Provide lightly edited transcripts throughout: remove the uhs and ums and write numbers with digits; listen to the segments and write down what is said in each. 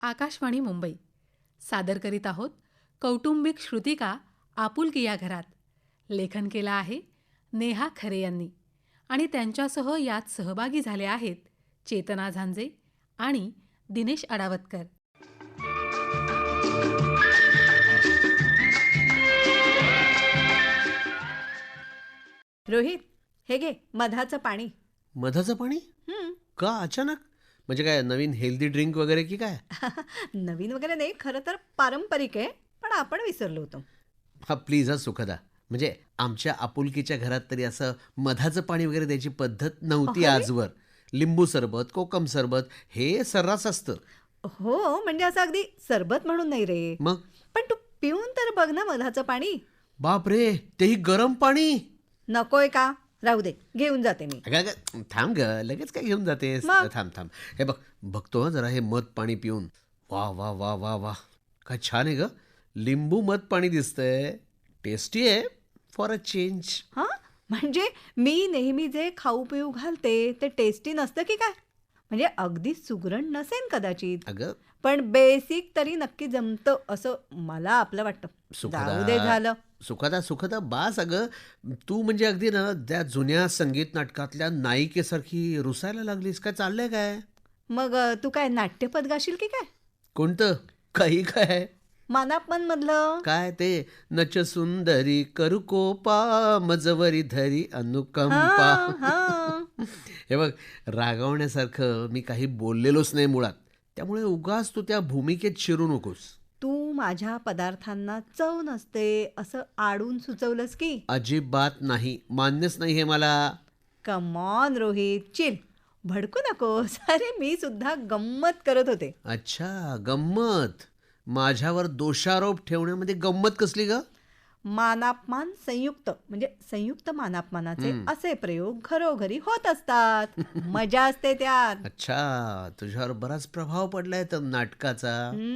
आकाशवाणी मुंबई सादर करीत आहोत कौटुंबिक श्रुतिका आपुलकी या घरात. लेखन केलं आहे नेहा खरे यांनी आणि त्यांच्यासह यात सहभागी झाले आहेत चेतना झांजे आणि दिनेश अडावतकर. रोहित, हे घे मधाचं पाणी. मधाचं पाणी? हं. का अचानक? म्हणजे काय नवीन हेल्दी ड्रिंक वगैरे की काय? नवीन वगैरे नाही, खरं तर पारंपरिक आहे, पण आपण विसरलो होतो. हा प्लीज हा सुखदा. म्हणजे आमच्या आपुलकीच्या घरात तरी असं मधाचं पाणी वगैरे द्यायची पद्धत नव्हती अरे? आजवर. लिंबू सरबत, कोकम सरबत हे सर्रास असतं. हो, म्हणजे असं अगदी सरबत म्हणून नाही रे. मग पण तू पिऊन तर बघ ना मधाचं पाणी. बाप रे, तेही गरम पाणी. नकोय का? राहू दे, घेऊन जाते मी. अगं अगं, थांब ग, लगेच काय घेऊन जातेस? मग? थांब थांब. हे बघ, बघतो हं जरा हे मध पाणी पिऊन. वा वा वा वा वा, काय छान आहे ग. लिंबू मध पाणी दिसतंय. टेस्टी आहे फॉर अ चेंज. हां, म्हणजे मी नेहमी जे खाऊ पिऊ घालते ते टेस्टी नसतं की काय? म्हणजे अगदी सुगरण नसेल कदाचित, अगं पण बेसिक तरी नक्की जमतं असं मला आपलं वाटतं. जाऊ दे सुखदा झालं. सुखदा सुखदा बास. अगं तू म्हणजे अगदी ना त्या जुन्या संगीत नाटकातल्या नायिकेसारखी रुसायला लागलीस. काय चाललंय काय? मग तू काय नाट्यपद गाशील की काय? कोणतं? काही काय? मानापमान मधलं? काय ते नच सुंदरी करू कोपा मजवरी धरी अनुकंपा. हां, हां. हे बघ, रागवण्यासारखं मी काही बोललेलोच नाही मुळात. त्यामुळे उगाच तू त्या भूमिकेत शिरू नकोस. तू माझ्या पदार्थांना चव नसते असं आडून सुचवलंस की? अजिबात नाही, मान्यच नाही हे मला. Come on Rohit, chill. भडकू नकोस. अरे मी सुद्धा गंमत करत होते. अच्छा, गंमत. माझ्यावर दोषारोप ठेवण्यामध्ये गंमत कसली ग? मानापमान संयुक्त म्हणजे संयुक्त मानापमानाचे असे प्रयोग घरोघरी होत असतात. मजा असते त्यात. अच्छा, तुझ्यावर बराच प्रभाव पडलाय तर नाटकाचा.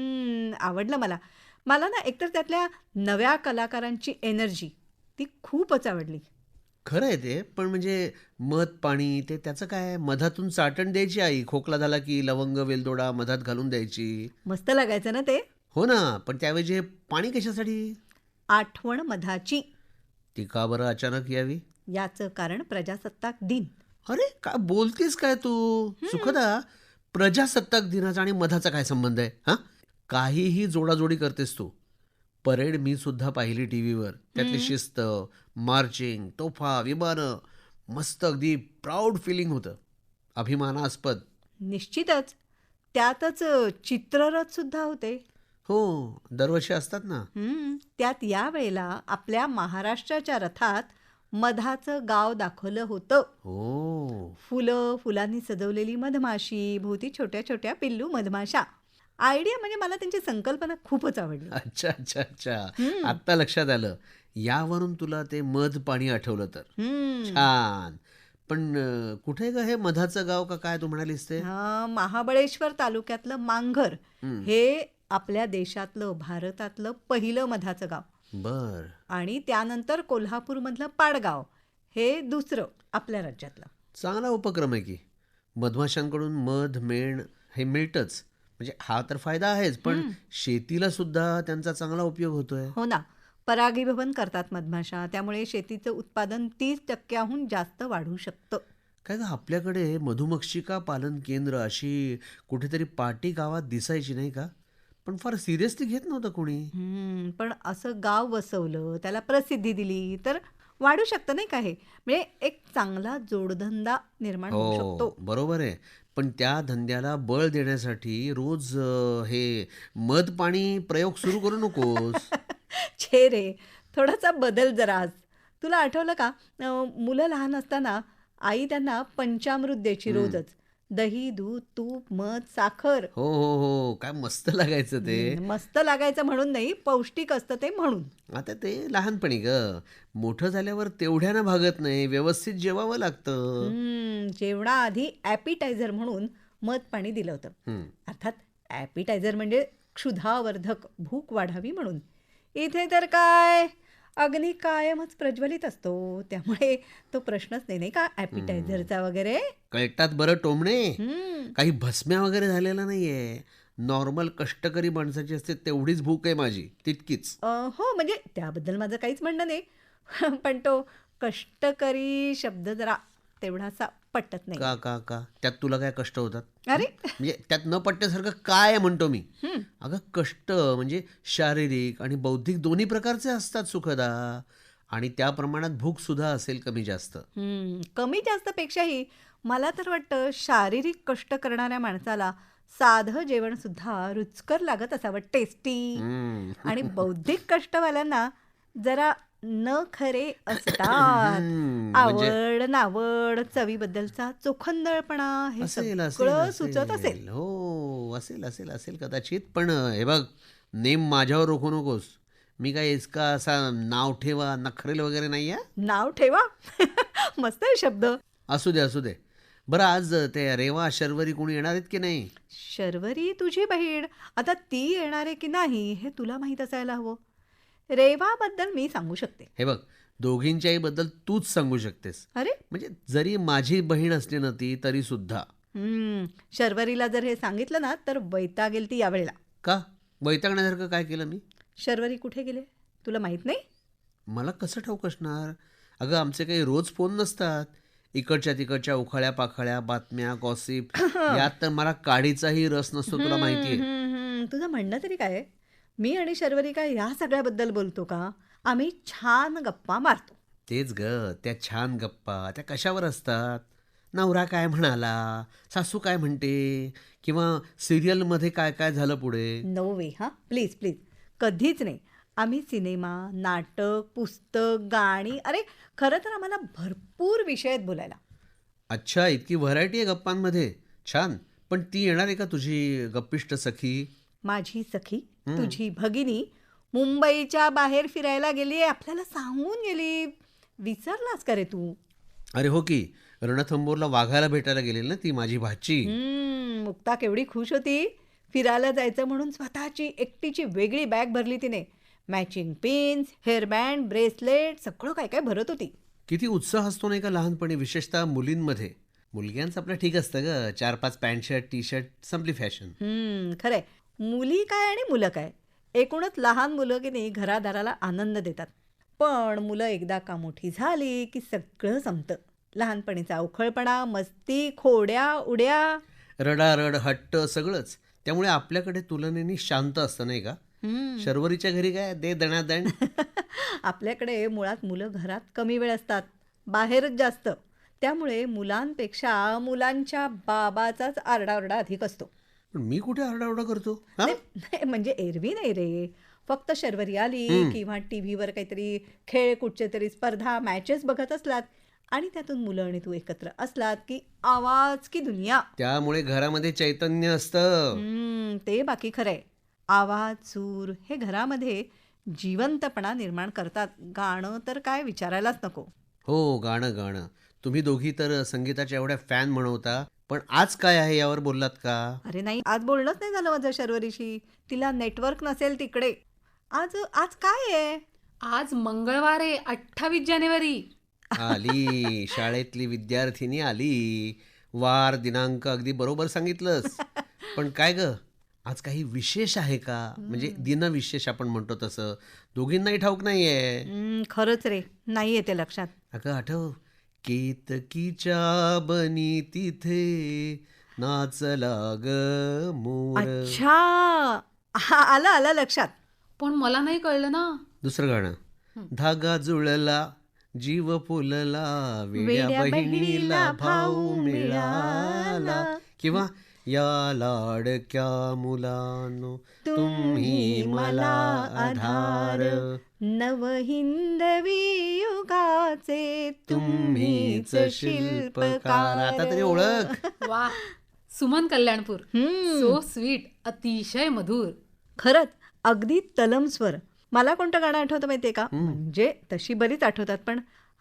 आवडलं मला. मला ना एकतर त्यातल्या नव्या कलाकारांची एनर्जी ती खूपच आवडली. खरं आहे ते, पण म्हणजे मध पाणी ते त्याचं काय? मधातून चाटण द्यायची आई. खोकला झाला की लवंग वेलदोडा मधात घालून द्यायची. मस्त लागायचं ना ते. हो ना, पण त्याऐवजी हे पाणी कशासाठी? आठवण मधाची. ती का बरं अचानक यावी? याचं कारण प्रजासत्ताक दिन. अरे काय बोलतीस काय तू? सुखदा, प्रजासत्ताक दिनाचा आणि मधाचा काय संबंध आहे? हा, काहीही जोडाजोडी करतेस तू. परेड मी सुद्धा पाहिली टीव्हीवर. त्यातली शिस्त, मार्चिंग, तोफा, विमानं, मस्त अगदी प्राऊड फिलिंग होतं. अभिमानास्पद. निश्चितच. त्यातच चित्ररथ सुद्धा होते. हो, दरवर्षी असतात ना. त्यात यावेळेला आपल्या महाराष्ट्राच्या रथात मधाचं गाव दाखवलं होतं. हो. फुलं, फुलांनी सजवलेली मधमाशी, भोवती छोट्या छोट्या पिल्लू मधमाशा. आयडिया म्हणजे मला त्यांची संकल्पना खूपच आवडली. अच्छा अच्छा अच्छा, आत्ता लक्षात आलं. यावरून तुला ते मध पाणी आठवलं तर. छान. पण कुठे ग हे मधाचं गाव का काय तू म्हणालीस ते? महाबळेश्वर तालुक्यातलं मांघर हे आपल्या देशातलं भारतातलं पहिलं मधाचं गाव. बर. आणि त्यानंतर कोल्हापूरमधलं पाडगाव हे दुसरं आपल्या राज्यातलं. चांगला उपक्रम आहे की. मधमाशांकडून मध मेण हे मिळतंच, म्हणजे हा तर फायदा आहेच, पण शेतीला सुद्धा त्यांचा चांगला उपयोग होतोय. हो ना. परागीभवन करतात मधमाशा, त्यामुळे शेतीचं उत्पादन 30% जास्त वाढू शकतं. काय ग, आपल्याकडे मधुमक्षिका पालन केंद्र अशी कुठेतरी पाटी गावात दिसायची नाही का? पण फार सिरियसली घेत नव्हतं कोणी. पण असं गाव वसवलं, त्याला प्रसिद्धी दिली तर वाढू शकतं नाही का हे? म्हणजे एक चांगला जोडधंदा निर्माण होऊ हो, शकतो. बरोबर आहे. पण त्या धंद्याला बळ देण्यासाठी रोज हे मध पाणी प्रयोग सुरू करू नकोस. छे रे, थोडासा बदल जरा आज. तुला आठवलं का मुलं लहान असताना आई त्यांना पंचामृत द्यायची रोजच. दही, दूध, तूप, मध, साखर. हो हो हो, काय मस्त लागायचं ते. मस्त लागायचं म्हणून नाही, पौष्टिक असतं ते म्हणून. आता ते लहानपणी ग, मोठं झाल्यावर तेवढ्यानं भागत नाही, व्यवस्थित जेवावं लागतं. जेवणाआधी ॲपिटायझर म्हणून मध पाणी दिलं होतं. अर्थात ॲपिटायझर म्हणजे क्षुधावर्धक, भूक वाढावी म्हणून. इथे तर काय अग्नी कायमच प्रज्वलित असतो, त्यामुळे तो प्रश्नच नाही नाही का ॲपिटायझरचा वगैरे. कळतात बरं टोमणे. काही भस्म्या वगैरे झालेला नाहीये. नॉर्मल कष्टकरी माणसाची असते तेवढीच भूक आहे माझी, तितकीच. हो म्हणजे त्याबद्दल माझं काहीच म्हणणं नाही. पण तो कष्टकरी शब्द जरा तेवढासा पटत नाही. का का का त्यात तुला काय कष्ट होतात? अरे म्हणजे त्यात न पटण्यासारखं काय आहे म्हणतो मी. अगं कष्ट म्हणजे शारीरिक आणि बौद्धिक दोन्ही प्रकारचे असतात सुखदा, आणि त्या प्रमाणात भूक सुद्धा असेल कमी जास्त. कमी जास्त पेक्षाही मला तर वाटतं शारीरिक कष्ट करणाऱ्या माणसाला साधं जेवण सुद्धा रुचकर लागत असावं, टेस्टी. हम्म. आणि बौद्धिक कष्टवाल्यांना जरा न खरे असतात. म्हणजे आवड नावड चवीबद्दलचा चोखंदळपणा हे असेल असेल सगळं सुचत असेल. असेल हो, असेल असेल असेल कदाचित. पण हे बघ, नेम माझ्यावर रोखू नकोस. मी काय इसका असा नाव ठेवा नखरेल वगैरे नाही आहे. नाव ठेवा. मस्त आहे शब्द. असू दे असू दे. बरं, आज ते रेवा शर्वरी कोणी येणार आहेत की नाही? शर्वरी तुझी बहीण, आता ती येणार आहे की नाही हे तुला माहीत असायला हवं. रेवाबद्दल मी सांगू शकते. हे बघ, दोघींच्याही बद्दल तूच सांगू शकतेस. अरे म्हणजे जरी माझी बहीण असली ना ती तरी सुद्धा. शर्वरीला जर हे सांगितलं ना तर वैतागेल ती यावेळेला. का? वैतागण्यासारखं काय केलं मी? शर्वरी कुठे गेले तुला माहित नाही? मला कसं ठाऊक असणार? अगं आमचे काही रोज फोन नसतात. इकडच्या तिकडच्या उखाळ्या पाखाळ्या बातम्या गॉसिप यात तर मला काडीचाही रस नसतो, तुला माहिती आहे. तुझं म्हणणं तरी काय आहे? मी आणि शर्वरी काय या सगळ्याबद्दल बोलतो का? आम्ही छान गप्पा मारतो. तेच ग, त्या छान गप्पा त्या कशावर असतात? नवरा काय म्हणाला, सासू काय म्हणते, किंवा सिरियलमध्ये काय काय झालं पुढे. No way. हां प्लीज प्लीज, कधीच नाही. आम्ही सिनेमा नाटक पुस्तक गाणी, अरे खरं तर आम्हाला भरपूर विषय आहेत बोलायला. अच्छा, इतकी व्हरायटी आहे गप्पांमध्ये. छान. पण ती येणार आहे का तुझी गप्पिष्ट सखी? माझी सखी तुझी भगिनी मुंबईच्या बाहेर फिरायला गेली, आपल्याला सांगून गेली. विसरलास का रे तू? अरे हो की, रणथंबोरला वाघायला भेटायला गेलेली ना ती माझी भाची. मुक्ता केवढी खुश होती. फिरायला जायचं म्हणून स्वतःची एकटीची वेगळी बॅग भरली तिने. मॅचिंग पिन्स, हेअरबँड, ब्रेसलेट सगळं काय काय भरत होती. किती उत्साह असतो नाही का लहानपणी, विशेषतः मुलींमध्ये. मुलग्यांचं आपलं ठीक असतं ग, 4-5 पॅन्ट शर्ट टी शर्ट, संपली फॅशन. खरंय. मुली काय आणि मुलं काय, एकूणच लहान मुलं की नाही घरादाराला आनंद देतात. पण मुलं एकदा का मोठी झाली की सगळं संपतं. लहानपणीचा अवखळपणा, मस्ती, खोड्या उड्या. रडारड हट्ट सगळंच. त्यामुळे आपल्याकडे तुलनेने शांत असतं नाही का. शर्वरीच्या घरी काय दे दणादण. आपल्याकडे मुळात मुलं घरात कमी वेळ असतात, बाहेरच जास्त. त्यामुळे मुलांपेक्षा मुलांच्या बाबाचाच आरडाओरडा अधिक असतो. पण मी कुठे आरडाओरडा करतो? हा? नाही म्हणजे एरवी नाही रे. फक्त शर्वरी आली किंवा टी व्हीवर काहीतरी खेळ, कुठचे तरी स्पर्धा मॅचेस बघत असलात आणि त्यातून मुलं आणि तू एकत्र असलात की आवाज की दुनिया. त्यामुळे घरामध्ये चैतन्य असतं. ते बाकी खरंय. आवाज सूर हे घरामध्ये जिवंतपणा निर्माण करतात. गाणं तर काय विचारायलाच नको. हो, गाणं गाणं. तुम्ही दोघी तर संगीताच्या एवढ्या फॅन म्हणवता, पण आज काय आहे यावर बोललात का? अरे नाही, आज बोलणंच नाही झालं माझं शर्वरीशी. तिला नेटवर्क नसेल तिकडे. आज आज काय आहे? आज मंगळवार आहे, 28 जानेवारी. आली शाळेतली विद्यार्थिनी आली. वार दिनांक अगदी बरोबर सांगितलंस. पण काय ग, आज काही विशेष आहे का? म्हणजे दिनविशेष आपण म्हणतो तसं दोघींनाही ठाऊक नाहीये. खरंच रे, नाही येते लक्षात. अगं आठव, केतकीच्या बनी तिथे नाचला ग मोर. अच्छा, आलं आलं लक्षात. पण मला नाही कळलं ना. दुसरं गाणं, धागा जुळला जीव फुलला वेड्या बहिणीला भाऊ मिळाला, किंवा या लाडक्या मुलानो तुम्ही मला आधार, नवहिंदवी युगाचे तुम्हीच शिल्पकार. आता तरी ओळख. वा, सुमन कल्याणपूर. सो स्वीट, अतिशय मधुर. खरंच अगदी तलम स्वर. मला कोणतं गाणं आठवतं माहितीये का? म्हणजे तशी बरीच आठवतात, पण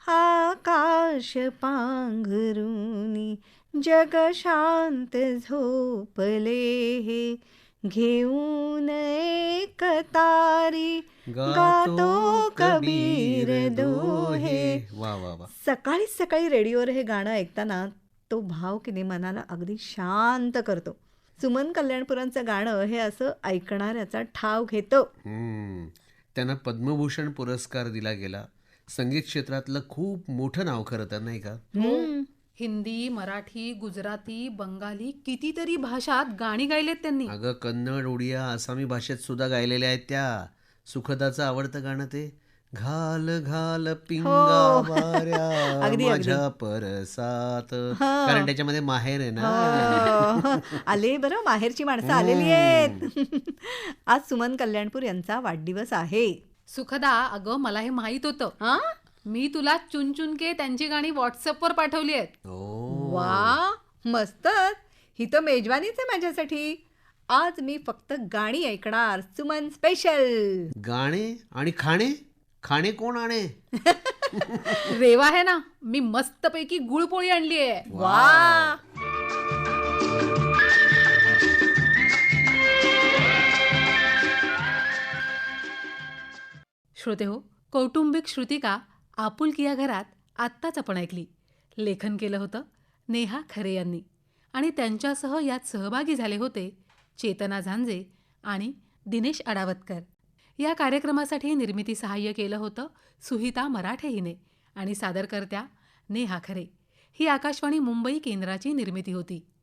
आकाश पांघरुनी जग शांत झोपले हे, घेऊन एक तारी गातो कबीर दोहे. वा वा वा. सकाळी सकाळी रेडिओवर हे गाणं ऐकताना तो भाव की नाही मनाला अगदी शांत करतो. सुमन कल्याणपुरांचं गाणं हे असं ऐकणाऱ्याचा ठाव घेतं. त्यांना पद्मभूषण पुरस्कार दिला गेला. संगीत क्षेत्रातलं खूप मोठं नाव खरं तर, नाही का? हिंदी, मराठी, गुजराती, बंगाली कितीतरी भाषात गाणी गायलेत त्यांनी. अगं, कन्नड, उडिया, आसामी भाषेत सुद्धा गायलेल्या आहेत त्या. सुखदाचं आवडतं गाणं ते घाल घाल पिंगा वाऱ्या अगदी, अगदी. माझ्या परसात, कारण त्याच्यामध्ये माहेर आहे ना. हो. आले बरं, माहेरची माणसं आलेली आहेत. आज सुमन कल्याणपूर यांचा वाढदिवस आहे. सुखदा, अगं मला हे माहित होतं. हा? मी तुला चुनचुनके त्यांची गाणी व्हॉट्सअपवर पाठवली आहेत. ओ, वा, मस्तच. ही तर मेजवानीच आहे माझ्यासाठी. आज मी फक्त गाणी ऐकणार. सुमन स्पेशल. गाणे आणि खाणे. खाणे कोण आणे? रेवा आहे ना, मी मस्तपैकी गुळपोळी आणली आहे. वा. श्रोते हो, कौटुंबिक श्रुतिका आपुलकी या घरात आत्ताच आपण ऐकली. लेखन केलं होतं नेहा खरे यांनी आणि त्यांच्यासह यात सहभागी झाले होते चेतना झांजे आणि दिनेश अडावतकर. या कार्यक्रमासाठी निर्मिती सहाय्य केलं होतं सुहिता मराठे हिने आणि सादरकर्त्या नेहा खरे. ही आकाशवाणी मुंबई केंद्राची निर्मिती होती.